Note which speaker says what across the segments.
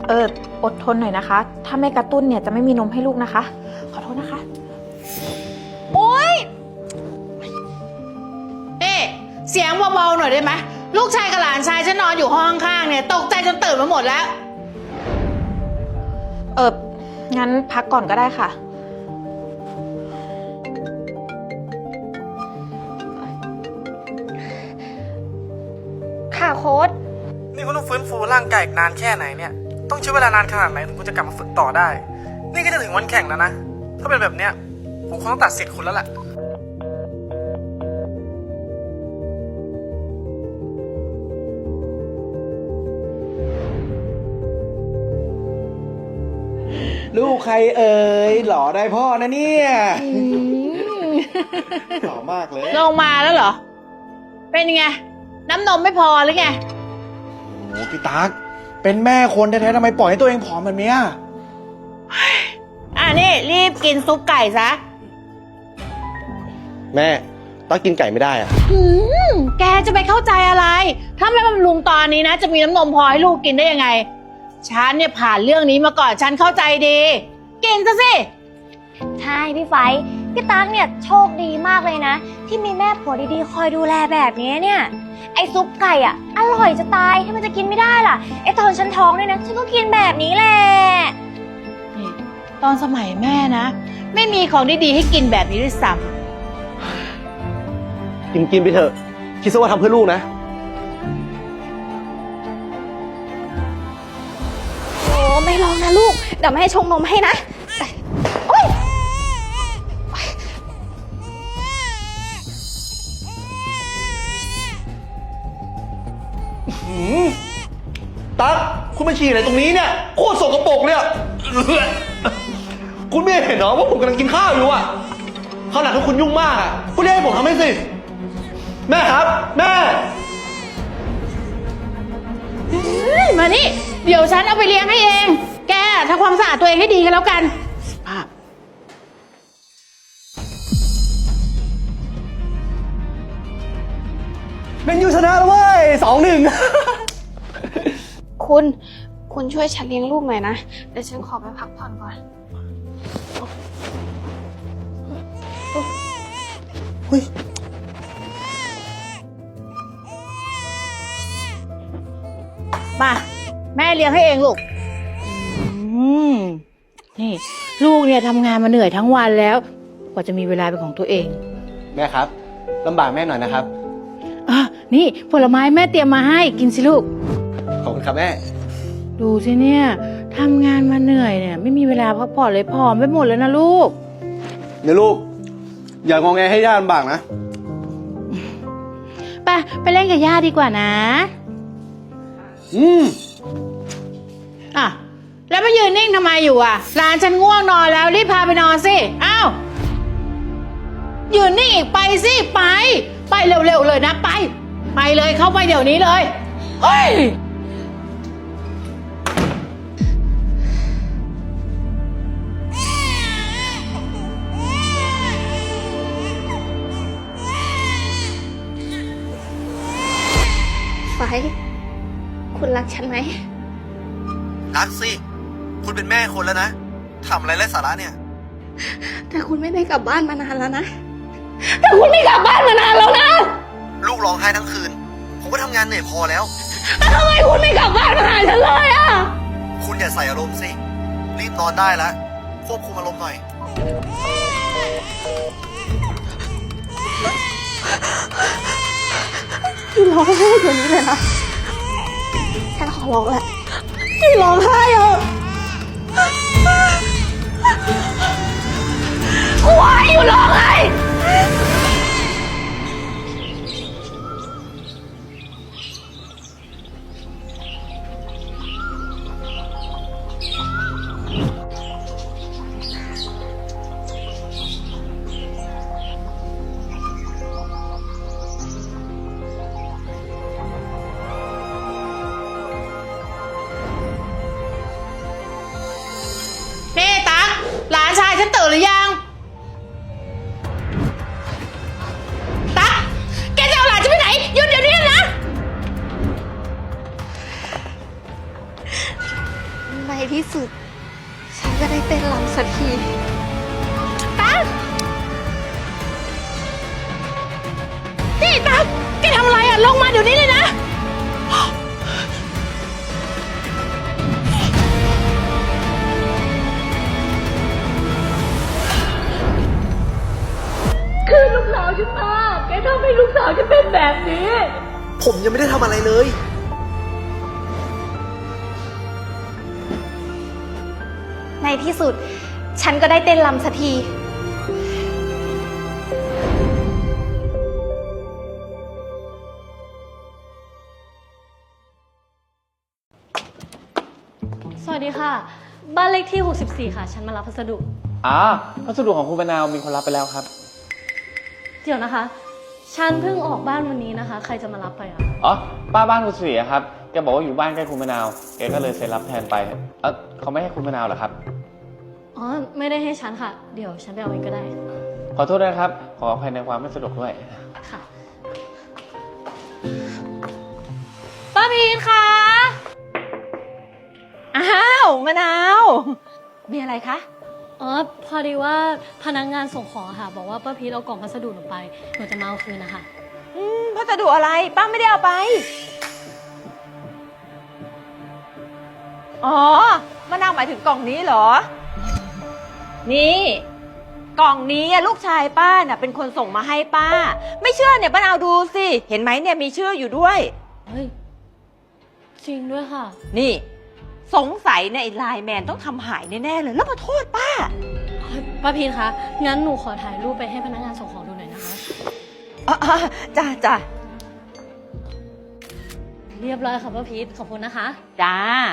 Speaker 1: อดทนหน่อยนะคะถ้าไม่กระตุ้นเนี่ยจะไม่มีนมให้ลูกนะคะขอโทษนะคะ
Speaker 2: โอ๊ยเสียงเบาๆหน่อยได้ไหมลูกชายกับหลานชายฉันนอนอยู่ห้องข้างๆเนี่ยตกใจจนตื่นมาหมดแล้ว
Speaker 1: งั้นพักก่อนก็ได้ค่ะ
Speaker 3: ค่ะโค้ช
Speaker 4: นี่คุณต้องฟื้นฟูร่างกายอีกนานแค่ไหนเนี่ยต้องใช้เวลานานขนาดไหนถึงคุณจะกลับมาฝึกต่อได้นี่ก็จะถึงวันแข่งแล้วนะถ้าเป็นแบบเนี้ยผมคงต้องตัดสิทธิ์คุณแล้วแหละ
Speaker 5: ลูกใครเอ่ยหล่อได้พ่อนะเนี่ยหล่อมากเลย
Speaker 2: ลงมาแล้วเหรอเป็นไงน้ำนมไม่พอหรือไง
Speaker 5: โอ้พี่ตั๊กเป็นแม่คนแท้ๆทำไมปล่อยให้ตัวเองผอมแบบนี้
Speaker 2: นี่รีบกินซุปไก่ซะ
Speaker 5: แม่ตั๊กกินไก่ไม่ได้อะ
Speaker 2: แกจะไปเข้าใจอะไรถ้าไม่บำรุงตอนนี้นะจะมีน้ำนมพอให้ลูกกินได้ยังไงฉันเนี่ยผ่านเรื่องนี้มาก่อนฉันเข้าใจดีกินซะสิ
Speaker 3: ใช่พี่ไฟพี่ตั๊กเนี่ยโชคดีมากเลยนะที่มีแม่ผัวดีๆคอยดูแลแบบนี้เนี่ยไอ้ซุปไก่อ่ะอร่อยจะตายถ้ามันจะกินไม่ได้ล่ะไอ้ตอนฉันท้องเนี่ยนะฉันก็กินแบบนี้แหละ
Speaker 2: นี่ตอนสมัยแม่นะไม่มีของดีๆให้กินแบบนี้ด้วยซ้
Speaker 5: ำกินไปเถอะคิดซะว่าทำเพื่อลูกนะ
Speaker 3: โอ้ไม่ลองนะลูกเดี๋ยวแม่ชงนมให้นะโอ๊ย
Speaker 5: ตั๊กคุณมาฉี่อะไรตรงนี้เนี่ยโคตรสกปรกเลยคุณไม่เห็นเหรอว่าผมกำลังกินข้าวอยู่อ่ะข้าวหนักถ้าคุณยุ่งมากอ่ะคุณเรียกให้ผมทำให้สิแม่ครับแม่
Speaker 2: มานี่เดี๋ยวฉันเอาไปเลี้ยงให้เองแกทำความสะอาดตัวเองให้ดีกันแล้วกันภาพ
Speaker 5: เป็นยูชนะแล้วเว้ย2-1
Speaker 3: คุณช่วยฉันเลี้ยงลูกหน่อยนะเดี๋ยวฉันขอไปพักผ่อนก่อน
Speaker 5: เฮ้ย
Speaker 2: มาแม่เลี้ยงให้เองลูกนี่ลูกเนี่ยทำงานมาเหนื่อยทั้งวันแล้วกว่าจะมีเวลาเป็นของตัวเอง
Speaker 5: แม่ครับลำบากแม่หน่อยนะครับ
Speaker 2: นี่ผลไม้แม่เตรียมมาให้กินสิลูก
Speaker 5: ขอบคุณครับแม่
Speaker 2: ดูสิเนี่ยทำงานมาเหนื่อยเนี่ยไม่มีเวลาพักผ่อนเลยผอมไปหมดแล้วนะลูก
Speaker 5: เนี่ยลูกอย่างงแงให้ย่าลำบากนะ
Speaker 2: ไปเล่นกับย่าดีกว่านะแล้วมายืนนิ่งทำไมอยู่อ่ะหลานฉันง่วงนอนแล้วรีบพาไปนอนสิอ้าวยืนนิ่งอีกไปสิไปเร็วๆเลยนะไปเลยเข้าไปเดี๋ยวนี้เลยเฮ้ย
Speaker 3: ไฟคุณรักฉันไหม
Speaker 5: รักสิคุณเป็นแม่คนแล้วนะทำอะไรไร้สาระเนี่ย
Speaker 3: แต่คุณไม่ได้กลับบ้านมานานแล้วนะแต่คุณไม่กลับบ้านมานานแล้วนะ
Speaker 5: ลูกร้องไห้ทั้งคืนผมก็ทำงานเหนื่อยพอแล้ว
Speaker 3: ทำไมคุณไม่กลับบ้านมาหาฉันเลยอ่ะ
Speaker 5: คุณอย่าใส่อารมณ์สิรีบนอนได้แล้วควบคุมอารมณ์หน่อย
Speaker 3: พี่ร้องไห้เดี๋ยวนี้เลยนะฉันขอร้องแหละพี่ร้องไห้อ่ะวายอยู่ร้องไห้
Speaker 2: หลานชายฉันตื่นหรือยังตั๊กแกจะเอาหลานฉันไปไหนหยุดเดี๋ยวนี้นะ
Speaker 3: ที่สุด ฉันก็ได้เต้นรำสักที
Speaker 2: นี่ตั๊กแกทำอะไรอ่ะ ลงมาเดี๋ยวนี้เลยนะ คือลูกสาวฉันมาแกทำให้ลูกสาวฉันเป็นแบบนี้
Speaker 5: ผมยังไม่ได้ทำอะไรเลย
Speaker 3: ในที่สุด ฉันก็ได้เต้นรำสักที
Speaker 6: สวัสดีค่ะ บ้านเลขที่ 64 ค่ะ ฉันมารับพัสดุ
Speaker 7: พัสดุของคุณมะนาวมีคนรับไปแล้วครับ
Speaker 6: เดี๋ยวนะคะ ฉันเพิ่งออกบ้านวันนี้นะคะ ใครจะมารับไปอะ
Speaker 7: อ๋อ ป้าบ้านคุณเสียครับ แกบอกว่าอยู่บ้านใกล้คุณมะนาว แกก็เลยเซ็นรับแทนไป เขาไม่ให้คุณมะนาวเหรอครับ
Speaker 6: อ๋อ ไม่ได้ให้ฉันค่ะ เดี๋ยวฉันไปเอาเองก็ได้
Speaker 7: ขอโทษด้วยนะครับ ขออภัยในความไม่สะดวกด้วย
Speaker 6: ค่ะ ป้าพีนคะ
Speaker 2: อ้าวมะนาว มีอะไรคะ
Speaker 6: อ๋อ พอดีว่าพนักงานส่งของค่ะ บอกว่าป้าพีนเอากล่องพัสดุหนูไป หนูจะมาเอาคืนนะคะ
Speaker 2: พัสดุอะไร ป้าไม่ได้เอาไป อ๋อมะนาวหมายถึงกล่องนี้เหรอ นี่ กล่องนี้อะลูกชายป้าน่ะเป็นคนส่งมาให้ป้า ไม่เชื่อเนี่ยป้านาวดูสิ เห็นไหมเนี่ยมีชื่ออยู่ด้วย
Speaker 6: เฮ้ย จริงด้วยค่ะ
Speaker 2: นี่ สงสัยเนี่ยไอ้ไลน์แมนต้องทำหายแน่ๆเลย แล้วมาโทษป้า
Speaker 6: ป้าพีนคะ งั้นหนูขอถ่ายรูปไปให้พนักงานส่งของดูหน่อยนะคะ
Speaker 2: จ้าจ้า
Speaker 6: เรียบร้อยค่ะป้าพีทขอบคุณนะคะ
Speaker 2: จ้า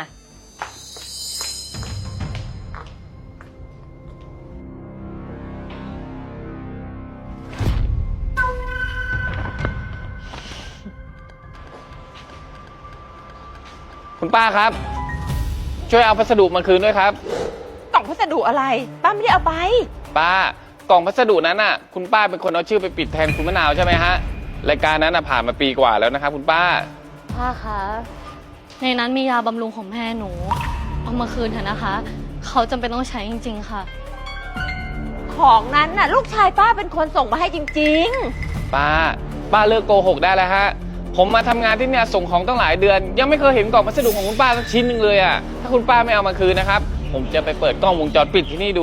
Speaker 7: คุณป้าครับ ช่วยเอาพัสดุมาคืนด้วยครับ
Speaker 2: กล่องพัสดุอะไร ป้าไม่ได้เอาไป
Speaker 7: ป้ากล่องพัสดุนั้นน่ะ คุณป้าเป็นคนเอาชื่อไปปิดแทนคุณมะนาวใช่ไหมฮะ รายการนั้นน่ะผ่านมาปีกว่าแล้วนะครับคุณป้า
Speaker 6: ป้าคะ ในนั้นมียาบำรุงของแม่หนู เอามาคืนเถอะนะคะ เขาจำเป็นต้องใช้จริงๆค่ะ
Speaker 2: ของนั้นน่ะ ลูกชายป้าเป็นคนส่งมาให้จริง
Speaker 7: ป้าเลิกโกหกได้แล้วฮะ ผมมาทำงานที่เนี่ยส่งของตั้งหลายเดือน ยังไม่เคยเห็นกล่องพัสดุของคุณป้าสักชิ้นหนึ่งเลยอ่ะ ถ้าคุณป้าไม่เอามาคืนนะครับ ผมจะไปเปิดกล้องวงจรปิดที่นี่ดู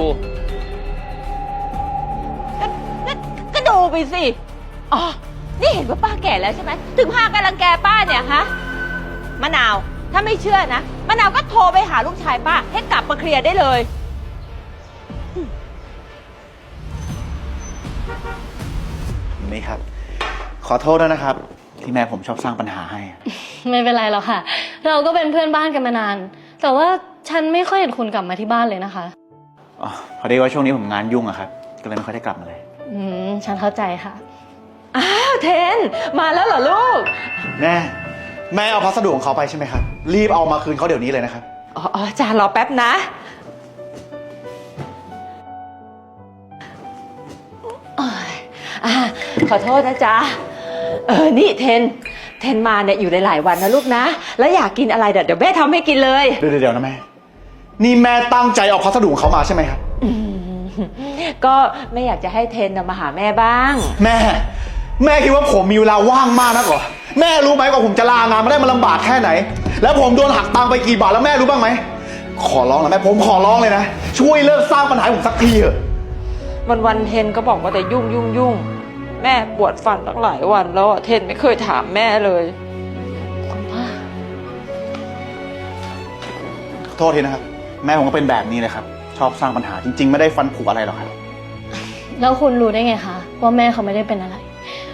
Speaker 2: ก็ดูไปสิ อ๋อ นี่เห็นว่าป้าแก่แล้วใช่ไหม ถึงพากันรังแกป้าเนี่ยฮะ มะนาว ถ้าไม่เชื่อนะ มะนาวก็โทรไปหาลูกชายป้า ให้กลับมาเคลียร์ได้เลย
Speaker 5: นี่ครับ ขอโทษด้วยนะครับ ที่แม่ผมชอบสร้างปัญหาให้
Speaker 6: ไม่เป็นไรหรอกค่ะ เราก็เป็นเพื่อนบ้านกันมานาน แต่ว่าฉันไม่ค่อยเห็นคุณกลับมาที่บ้านเลยนะคะ
Speaker 5: อ๋อ พอดีว่าช่วงนี้ผมงานยุ่งอะครับ ก็เลยไม่ค่อยได้กลับมาเลย
Speaker 6: ฉันเข้าใจค่ะ
Speaker 2: อ้าวเทน มาแล้วเหรอลูก
Speaker 5: แม่เอาพัสดุของเขาไปใช่ไหมครับ รีบเอามาคืนเขาเดี๋ยวนี้เลยนะครับ
Speaker 2: อ๋อจ้ารอแป๊บนะ ขอโทษนะจ๊ะ นี่เทนมาเนี่ยอยู่หลายๆวันนะลูกนะ แล้วอยากกินอะไรเดี๋ยวแม่ทำให้กินเลย
Speaker 5: เดี๋ยวนะแม่ นี่แม่ตั้งใจเอาพัสดุของเขามาใช่ไหมครับ
Speaker 2: ก็ไม่อยากจะให้เทนมาหาแม่บ้าง
Speaker 5: แม่คิดว่าผมมีเวลาว่างมากนักเหรอ แม่รู้ไหมว่าผมจะลางานมาได้มันลำบากแค่ไหน แล้วผมโดนหักตังค์ไปกี่บาทแล้วแม่รู้บ้างไหม ขอร้องนะแม่ผมขอร้องเลยนะ ช่วยเลิกสร้างปัญหาให้ผมสักทีเถอะ
Speaker 2: วันเทนก็บอกว่าแต่ยุ่ง แม่ปวดฟันตั้งหลายวันแล้วเทนไม่เคยถามแม่เลย
Speaker 6: คุณป้า
Speaker 5: ขอโทษทีนะครับ แม่ผมก็เป็นแบบนี้เลยครับ ชอบสร้างปัญหาจริง ๆ ไม่ได้ฟันผุอะไรหรอกครับ
Speaker 6: แล้วคุณรู้ได้ไงคะว่าแม่เขาไม่ได้เป็นอะไร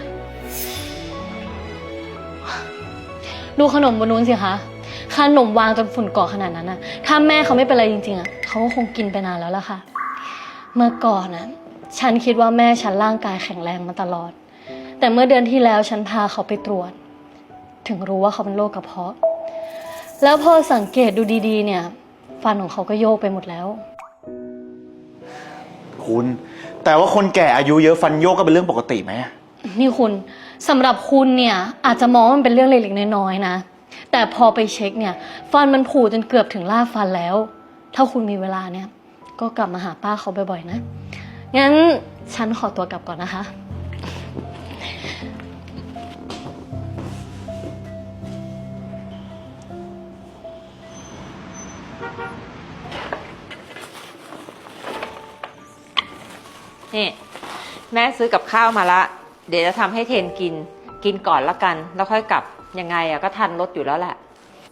Speaker 6: ดูขนมบนนู้นสิคะ ขนมวางจนฝุ่นเกาะขนาดนั้นนะถ้าแม่เขาไม่เป็นอะไรจริงๆอ่ะเขาก็คงกินไปนานแล้วล่ะค่ะ เมื่อก่อนนะฉันคิดว่าแม่ฉันร่างกายแข็งแรงมาตลอด แต่เมื่อเดือนที่แล้วฉันพาเขาไปตรวจ ถึงรู้ว่าเขาเป็นโรคกระเพาะ แล้วพอสังเกตดูดีๆเนี่ยฟันของเขาก็โยกไปหมดแล้ว
Speaker 5: คุณแต่ว่าคนแก่อายุเยอะฟันโยกก็เป็นเรื่องปกติไหม
Speaker 6: นี่คุณสำหรับคุณเนี่ยอาจจะมองว่ามันเป็นเรื่องเล็กๆน้อยๆนะแต่พอไปเช็คเนี่ยฟันมันผุจนเกือบถึงรากฟันแล้วถ้าคุณมีเวลาเนี่ย ก็กลับมาหาป้าเขาบ่อยๆนะ งั้นฉันขอตัวกลับก่อนนะคะ
Speaker 8: นี่แม่ซื้อกับข้าวมาละ เดี๋ยวจะทำให้เทนกินก่อนละกัน แล้วค่อยกลับยังไงอะก็ทันรถอยู่แล้วแหละ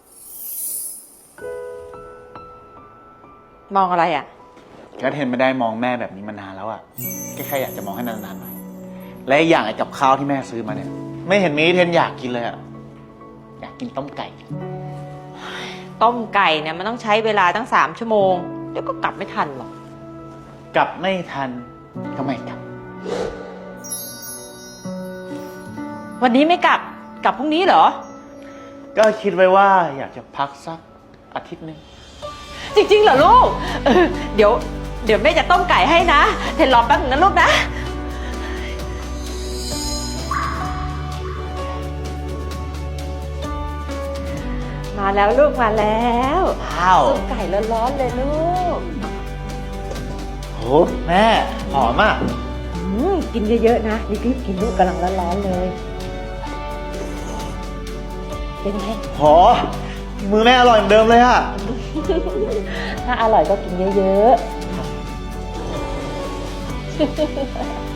Speaker 8: มองอะไรอะ
Speaker 5: ก็เทนไม่ได้มองแม่แบบนี้มานานแล้วอะแค่อยากจะมองให้นานๆหน่อย และอีกอย่างไอ้กับข้าวที่แม่ซื้อมาเนี่ย ไม่เห็นมีให้เทนอยากกินเลยอะอยากกินต้มไก่
Speaker 8: ต้มไก่เนี่ยมันต้องใช้เวลาตั้ง3 ชั่วโมง เดี๋ยวก็กลับไม่ทันหรอก
Speaker 5: กลับไม่ทันก็ไม่กลับ
Speaker 8: วันนี้ไม่กลับพรุ่งนี้เหรอ
Speaker 5: ก็คิดไว้ว่าอยากจะพักสักอาทิตย์หนึง
Speaker 8: จริงๆเหรอลูกเดี๋ยวแม่จะต้มไก่ให้นะ เทนรอแป๊บนึงนะลูกนะ มาแล้วลูกมาแล้ว
Speaker 5: ว้าว
Speaker 8: ต้มไก่ร้อนๆเลยลูก
Speaker 5: โหแม่หอมอ่ะ
Speaker 8: กินเยอะๆนะรีบๆกินลูกกำลังร้อนๆเลย เป็นไง
Speaker 5: หอมือแม่อร่อยเหมือนเดิมเลยอ่ะ
Speaker 8: ถ้าอร่อยก็กินเยอะๆ